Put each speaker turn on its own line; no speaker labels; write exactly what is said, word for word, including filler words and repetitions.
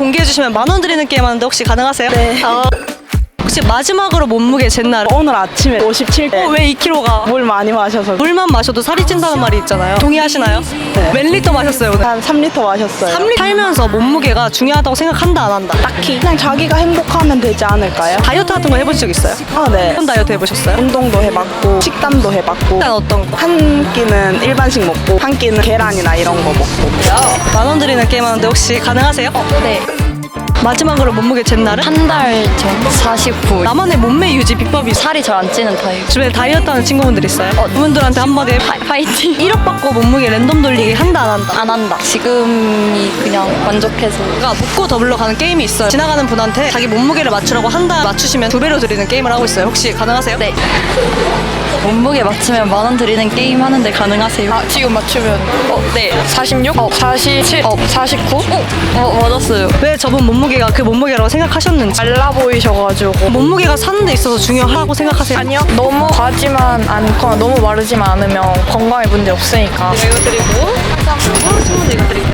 공개해주시면 만 원 드리는 게임 하는데 혹시 가능하세요?
네.
어, 혹시 마지막으로 몸무게 잰 날
오늘 아침에 오십칠 개.
어, 왜 이 킬로그램가?
물 많이 마셔서
물만 마셔도 살이 찐다는 말이 있잖아요. 동의하시나요?
네.
몇 리터 마셨어요 오늘?
한 삼 리터 마셨어요.
삼 리터 살면서 몸무게가 중요하다고 생각한다 안 한다?
딱히 그냥 자기가 행복하면 되지 않을까요?
다이어트 같은 거 해본 적 있어요?
아, 네.
어떤 다이어트 해보셨어요?
운동도 해봤고 식단도 해봤고
일단 어떤 거?
한 끼는 일반식 먹고 한 끼는 계란이나 이런 거 먹고.
만 원 드리는 게임 하는데 혹시 가능하세요?
네.
마지막으로 몸무게 잰 날은?
한 달 전 사십구.
나만의 몸매 유지 비법이 있어요?
살이 잘 안 찌는 타입.
주변에 다이어트 하는 친구분들 있어요? 그분들한테 한마디 해봐.
파, 파이팅.
일억 받고 몸무게 랜덤 돌리기 한다 안 한다?
안 한다. 지금이 그냥 만족해서.
그러니까 묻고 더블로 가는 게임이 있어요. 지나가는 분한테 자기 몸무게를 맞추라고 한다 맞추시면 두 배로 드리는 게임을 하고 있어요. 혹시 가능하세요?
네. 몸무게 맞추면 만 원 드리는 게임 하는데 가능하세요?
아, 지금 맞추면
어, 네.
사십육,
어.
사십칠, 어, 사십구?
어, 어, 맞았어요.
왜 저분 몸무게가 그 몸무게라고 생각하셨는지.
말라 보이셔가지고.
몸무게가 사는 데 있어서 중요하다고 생각하세요?
아니요. 너무 과하지만 않거나 너무 마르지만 않으면 건강에 문제 없으니까.
이거 드리고, 친구들 이거 드릴게요.